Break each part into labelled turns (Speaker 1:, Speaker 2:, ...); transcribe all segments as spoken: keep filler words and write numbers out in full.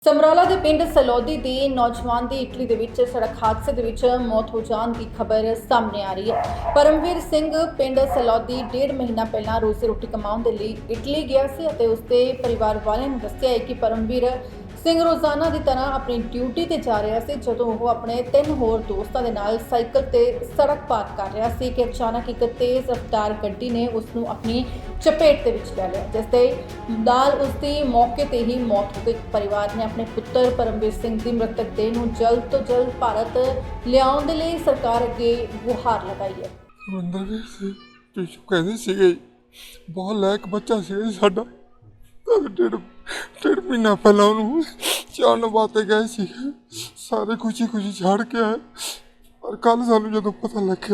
Speaker 1: ਸਮਰਾਲਾ ਦੇ ਪਿੰਡ ਸਲੌਦੀ ਦੇ ਨੌਜਵਾਨ ਦੀ ਇਟਲੀ ਦੇ ਵਿੱਚ ਸੜਕ ਹਾਦਸੇ ਦੇ ਵਿੱਚ ਮੌਤ ਹੋ ਜਾਣ ਦੀ ਖਬਰ ਸਾਹਮਣੇ ਆ ਰਹੀ ਹੈ। ਪਰਮਵੀਰ ਸਿੰਘ ਪਿੰਡ ਸਲੌਦੀ ਡੇਢ ਮਹੀਨਾ ਪਹਿਲਾਂ ਰੋਜ਼ੀ ਰੋਟੀ ਕਮਾਉਣ ਦੇ ਲਈ ਇਟਲੀ ਗਿਆ ਸੀ ਅਤੇ ਉਸਦੇ ਪਰਿਵਾਰ ਵਾਲਿਆਂ ਨੇ ਦੱਸਿਆ ਹੈ ਕਿ ਪਰਮਵੀਰ ਸਿੰਘ ਰੋਜ਼ਾਨਾ ਦੀ ਤਰ੍ਹਾਂ ਆਪਣੀ ਡਿਊਟੀ ਤੇ ਜਾ ਰਿਹਾ ਸੀ ਜਦੋਂ ਉਹ ਆਪਣੇ ਤਿੰਨ ਹੋਰ ਦੋਸਤਾਂ ਦੇ ਨਾਲ ਸਾਈਕਲ ਤੇ ਸੜਕ ਪਾਰ ਕਰ ਰਿਹਾ ਸੀ ਕਿ ਅਚਾਨਕ ਇੱਕ ਤੇਜ਼ ਰਫ਼ਤਾਰ ਗੱਡੀ ਨੇ ਉਸ ਨੂੰ ਆਪਣੀ ਚਪੇਟ ਦੇ ਵਿੱਚ ਲੈ ਲਿਆ, ਜਿਸ ਦੇ ਨਾਲ ਉਸ ਦੀ ਮੌਕੇ ਤੇ ਹੀ ਮੌਤ ਹੋ ਗਈ। ਪਰਿਵਾਰ ਨੇ ਆਪਣੇ ਪੁੱਤਰ ਪਰਮਵੀਰ ਸਿੰਘ ਦੀ ਮ੍ਰਿਤਕ ਦੇਹ ਨੂੰ ਜਲਦ ਤੋਂ ਜਲਦ ਭਾਰਤ ਲਿਆਉਣ ਦੇ ਲਈ ਸਰਕਾਰ ਅੱਗੇ ਗੁਹਾਰ ਲਗਾਈ ਹੈ।
Speaker 2: ਪਰਮਵੀਰ ਸਿੰਘ ਪਿੱਛੋਂ ਕਹਿੰਦੇ ਸੀਗੇ ਬਹੁਤ ਲਾਇਕ ਬੱਚਾ ਸੀ ਸਾਡਾ, ਡੇਢ ਡੇਢ ਮਹੀਨਾ ਪਹਿਲਾਂ ਉਹਨੂੰ ਚਾਣ ਵਾਸਤੇ ਗਏ ਸੀ, ਸਾਰੇ ਖੁਸ਼ੀ ਖੁਸ਼ੀ ਛੱਡ ਕੇ ਆਏ। ਪਰ ਕੱਲ ਸਾਨੂੰ ਜਦੋਂ ਪਤਾ ਲੱਗਿਆ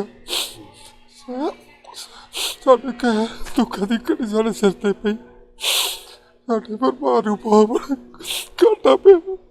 Speaker 2: ਸਾਡੇ ਕਹਿ ਦੁੱਖਾਂ ਦੀ ਘੜੀ ਸਾਡੇ ਸਿਰ ਤੇ ਪਈ, ਸਾਡੇ ਪਰਿਵਾਰ ਨੂੰ ਬਹੁਤ ਘਾਟਾ ਪਿਆ।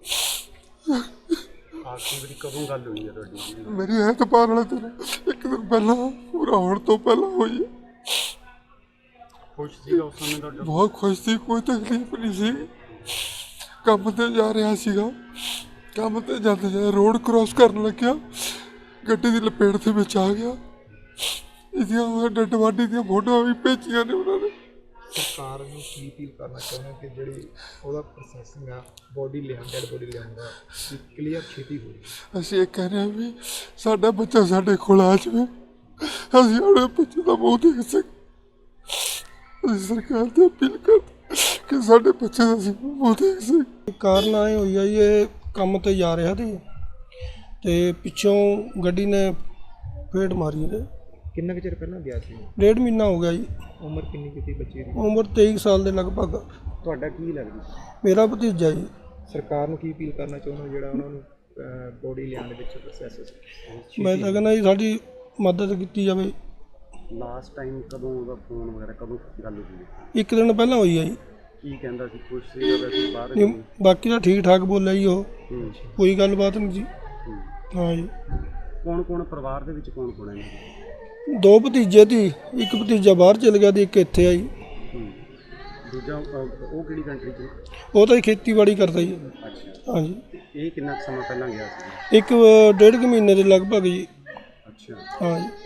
Speaker 3: ਆਖਰੀ ਵਾਰੀ ਕਦੋਂ ਗੱਲ ਹੋਈ ਹੈ ਤੁਹਾਡੀ?
Speaker 2: ਮੇਰੀ ਐਤਵਾਰ ਵਾਲੇ ਦਿਨ ਇੱਕ ਦਿਨ ਪਹਿਲਾਂ ਪੂਰਾ ਹੋਣ ਤੋਂ ਪਹਿਲਾਂ ਹੋਈ ਹੈ।
Speaker 3: ਖੁਸ਼ ਸੀਗਾ ਉਸ ਸਮੇਂ ਤੁਹਾਡਾ?
Speaker 2: ਬਹੁਤ ਖੁਸ਼ ਸੀ, ਕੋਈ ਤਕਲੀਫ ਨਹੀਂ ਸੀ। ਕੰਮ ਤੇ ਜਾ ਰਿਹਾ ਸੀਗਾ, ਕੰਮ ਤੇ ਜਾਂਦੇ ਜਾਂਦੇ ਰੋਡ ਕ੍ਰੋਸ ਕਰਨ ਲੱਗਿਆ, ਗੱਡੀ ਦੀ ਲਪੇਟ ਦੇ ਵਿੱਚ ਆ ਗਿਆ। ਇਹਦੀਆਂ ਡੈਡ ਬਾਡੀ ਦੀਆਂ ਫੋਟੋਆਂ ਵੀ ਭੇਜੀਆਂ ਨੇ ਉਹਨਾਂ ਨੇ।
Speaker 4: ਸਰਕਾਰ ਨੂੰ ਕੀ ਅਪੀਲ ਕਰਨਾ ਚਾਹੁੰਦੇ ਕਿ ਜਿਹੜੀ ਉਹਦਾ ਪ੍ਰੋਸੈਸਿੰਗ ਆ ਬੋਡੀ ਲਿਆਉਣ ਡੈਡ ਬੋਡੀ ਲਿਆਉਣ ਦਾ ਕਲੀਅਰ ਛੇਤੀ ਹੋਵੇ।
Speaker 2: ਅਸੀਂ ਇਹ ਕਹਿ ਰਹੇ ਹਾਂ ਵੀ ਸਾਡਾ ਬੱਚਾ ਸਾਡੇ ਕੋਲ ਆ ਜਾਵੇ, ਅਸੀਂ ਆਪਣੇ ਬੱਚੇ ਦਾ ਮੂੰਹ ਦੇਖ ਸਕੀਏ। ਅਸੀਂ ਸਰਕਾਰ ਤੇ ਅਪੀਲ ਕਰਦੇ ਕਿ ਸਾਡੇ ਬੱਚੇ ਦਾ ਅਸੀਂ ਮੂੰਹ ਦੇਖ ਸਕੀਏ।
Speaker 4: ਕਾਰਨ ਆਏ ਹੋਈ ਆ ਜੀ, ਇਹ ਕੰਮ ਤੇ ਜਾ ਰਿਹਾ ਸੀ ਤੇ ਪਿੱਛੋਂ ਗੱਡੀ ਨੇ ਫੇਟ ਮਾਰੀ ਇਹਦੇ।
Speaker 3: ਕਿੰਨਾ ਕੁ ਚਿਰ ਪਹਿਲਾਂ ਗਿਆ ਸੀ?
Speaker 4: ਡੇਢ ਮਹੀਨਾ ਹੋ ਗਿਆ ਜੀ।
Speaker 3: ਉਮਰ ਕਿੰਨੀ ਕੀਤੀ ਬੱਚੇ ਦੀ?
Speaker 4: ਉਮਰ ਤੇਈ ਸਾਲ ਦੇ ਲਗਭਗ।
Speaker 3: ਤੁਹਾਡਾ ਕੀ ਲੱਗਦਾ?
Speaker 4: ਮੇਰਾ ਭਤੀਜਾ ਜੀ।
Speaker 3: ਸਰਕਾਰ ਨੂੰ ਕੀ ਅਪੀਲ ਕਰਨਾ ਚਾਹੁੰਦੇ ਜਿਹੜਾ ਉਹਨਾਂ ਨੂੰ ਬੋਡੀ ਲਿਆਉਣ ਦੇ ਵਿੱਚ ਪ੍ਰੋਸੈਸ?
Speaker 4: ਮੈਂ ਤਾਂ ਕਹਿੰਦਾ ਜੀ ਸਾਡੀ ਮਦਦ ਕੀਤੀ ਜਾਵੇ।
Speaker 3: ਲਾਸਟ ਟਾਈਮ ਕਦੋਂ ਉਹਦਾ ਫੋਨ ਵਗੈਰਾ ਕਦੋਂ ਗੱਲ ਹੋਈ?
Speaker 4: ਇੱਕ ਦਿਨ ਪਹਿਲਾਂ ਹੋਈ ਆ ਜੀ।
Speaker 3: ਕੀ ਕਹਿੰਦਾ ਸੀ? ਖੁਸ਼ ਸੀਗਾ ਵੈਸੇ ਬਾਹਰ?
Speaker 4: ਨਹੀਂ, ਬਾਕੀ ਤਾਂ ਠੀਕ ਠਾਕ ਬੋਲਿਆ ਜੀ ਉਹ, ਕੋਈ ਗੱਲਬਾਤ ਨਹੀਂ ਜੀ। ਹਾਂ ਜੀ।
Speaker 3: ਕੌਣ ਕੌਣ ਪਰਿਵਾਰ ਦੇ ਵਿੱਚ ਕੌਣ ਕੌਣ ਹੈ?
Speaker 4: ਦੋ ਭਤੀਜੇ ਸੀ, ਇੱਕ ਭਤੀਜਾ ਬਾਹਰ ਚਲ ਗਿਆ ਤੇ ਇੱਕ ਇੱਥੇ ਆਈ।
Speaker 3: ਦੂਜਾ ਉਹ ਕਿਹੜੀ ਕੰਟਰੀ 'ਚ?
Speaker 4: ਉਹ ਤਾਂ ਖੇਤੀਬਾੜੀ ਕਰਦਾ ਜੀ।
Speaker 3: ਅੱਛਾ।
Speaker 4: ਹਾਂਜੀ।
Speaker 3: ਇਹ ਕਿੰਨਾ ਕੁ ਸਮਾਂ ਪਹਿਲਾਂ ਗਿਆ ਸੀ?
Speaker 4: ਇੱਕ ਡੇਢ ਕੁ ਮਹੀਨੇ ਦੇ ਲਗਭਗ ਜੀ।
Speaker 3: ਅੱਛਾ।
Speaker 4: ਹਾਂ ਜੀ।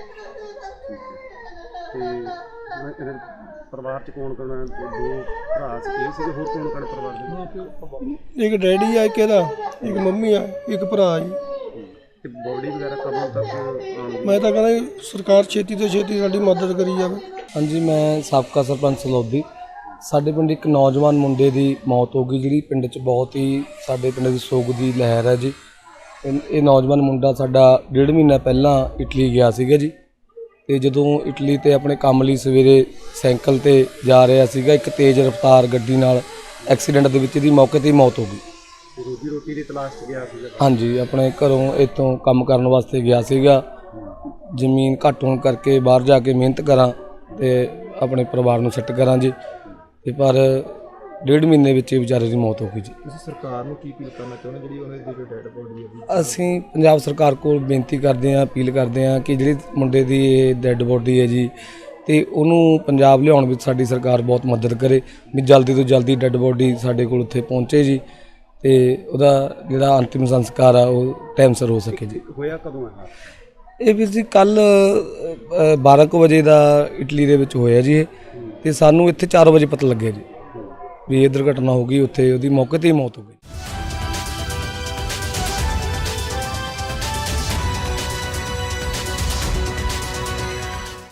Speaker 3: ਤੇ ਪਰਿਵਾਰ 'ਚ ਕੌਣ ਕੌਣ? ਦੋ ਭਰਾ ਸੀ ਸੀਗੇ, ਹੋਰ ਕੌਣ ਕੌਣ ਪਰਿਵਾਰ ਦੇ?
Speaker 4: ਇੱਕ ਡੈਡੀ ਆ, ਇੱਕ ਇਹਦਾ, ਇੱਕ ਮੰਮੀ ਆ, ਇੱਕ ਭਰਾ ਜੀ।
Speaker 3: ਤੇ ਬੋਡੀ ਵਗੈਰਾ ਕਦੋਂ ਤੱਕ ਆਉਣਗੀ?
Speaker 4: ਮੈਂ ਤਾਂ ਕਹਿੰਦਾ ਜੀ ਸਰਕਾਰ ਛੇਤੀ ਤੋਂ ਛੇਤੀ ਸਾਡੀ ਮਦਦ ਕਰੀ ਜਾਵੇ।
Speaker 5: ਹਾਂਜੀ, ਮੈਂ ਸਾਬਕਾ ਸਰਪੰਚ ਸਲੌਦੀ। ਸਾਡੇ ਪਿੰਡ ਇੱਕ ਨੌਜਵਾਨ ਮੁੰਡੇ ਦੀ ਮੌਤ ਹੋ ਗਈ, ਜਿਹੜੀ ਪਿੰਡ 'ਚ ਬਹੁਤ ਹੀ ਸਾਡੇ ਪਿੰਡ ਦੀ ਸੋਗ ਦੀ ਲਹਿਰ ਹੈ ਜੀ। ਇਹ ਨੌਜਵਾਨ ਮੁੰਡਾ ਸਾਡਾ ਡੇਢ ਮਹੀਨਾ ਪਹਿਲਾਂ ਇਟਲੀ ਗਿਆ ਸੀਗਾ ਜੀ, ਅਤੇ ਜਦੋਂ ਇਟਲੀ 'ਤੇ ਆਪਣੇ ਕੰਮ ਲਈ ਸਵੇਰੇ ਸਾਈਕਲ 'ਤੇ ਜਾ ਰਿਹਾ ਸੀਗਾ, ਇੱਕ ਤੇਜ਼ ਰਫ਼ਤਾਰ ਗੱਡੀ ਨਾਲ ਐਕਸੀਡੈਂਟ ਦੇ ਵਿੱਚ ਇਹਦੀ ਮੌਕੇ 'ਤੇ ਹੀ ਮੌਤ ਹੋ ਗਈ।
Speaker 3: ਰੋਜੀ ਰੋਟੀ ਦੀ ਤਲਾਸ਼ 'ਚ ਗਿਆ ਸੀਗਾ?
Speaker 5: ਹਾਂਜੀ, ਆਪਣੇ ਘਰੋਂ ਇੱਥੋਂ ਕੰਮ ਕਰਨ ਵਾਸਤੇ ਗਿਆ ਸੀਗਾ। ਜ਼ਮੀਨ ਘੱਟ ਹੋਣ ਕਰਕੇ ਬਾਹਰ ਜਾ ਕੇ ਮਿਹਨਤ ਕਰਾਂ ਅਤੇ ਆਪਣੇ ਪਰਿਵਾਰ ਨੂੰ ਸੈੱਟ ਕਰਾਂ ਜੀ, ਅਤੇ ਪਰ ਡੇਢ ਮਹੀਨੇ ਵਿੱਚ ਇਹ ਵਿਚਾਰੇ ਦੀ ਮੌਤ ਹੋ ਗਈ ਜੀ।
Speaker 4: ਤੁਸੀਂ ਸਰਕਾਰ ਨੂੰ ਕੀ ਅਪੀਲ ਕਰਨਾ ਚਾਹੁੰਦੇ ਜਿਹੜੀ ਉਹਨਾਂ ਦੀ ਜੋ ਡੈਡ ਬੋਡੀ ਹੈ?
Speaker 5: ਅਸੀਂ ਪੰਜਾਬ ਸਰਕਾਰ ਕੋਲ ਬੇਨਤੀ ਕਰਦੇ ਹਾਂ, ਅਪੀਲ ਕਰਦੇ ਹਾਂ ਕਿ ਜਿਹੜੀ ਮੁੰਡੇ ਦੀ ਇਹ ਡੈੱਡ ਬੋਡੀ ਹੈ ਜੀ, ਅਤੇ ਉਹਨੂੰ ਪੰਜਾਬ ਲਿਆਉਣ ਵਿੱਚ ਸਾਡੀ ਸਰਕਾਰ ਬਹੁਤ ਮਦਦ ਕਰੇ ਵੀ ਜਲਦੀ ਤੋਂ ਜਲਦੀ ਡੈੱਡ ਬੋਡੀ ਸਾਡੇ ਕੋਲ ਉੱਥੇ ਪਹੁੰਚੇ ਜੀ, ਅਤੇ ਉਹਦਾ ਜਿਹੜਾ ਅੰਤਿਮ ਸੰਸਕਾਰ ਆ ਉਹ ਟਾਈਮ ਸਿਰ ਹੋ ਸਕੇ ਜੀ।
Speaker 3: ਹੋਇਆ ਕਦੋਂ ਹੈ
Speaker 5: ਇਹ ਵੀਰ ਜੀ? ਕੱਲ੍ਹ ਬਾਰਾਂ ਕੁ ਵਜੇ ਦਾ ਇਟਲੀ ਦੇ ਵਿੱਚ ਹੋਇਆ ਜੀ ਇਹ, ਅਤੇ ਸਾਨੂੰ ਇੱਥੇ ਚਾਰ ਵਜੇ ਪਤਾ ਲੱਗਿਆ ਜੀ ਵੀ ਇਹ ਦੁਰਘਟਨਾ ਹੋ ਗਈ। ਉੱਥੇ ਉਹਦੀ ਮੌਕੇ 'ਤੇ ਹੀ ਮੌਤ ਹੋ ਗਈ।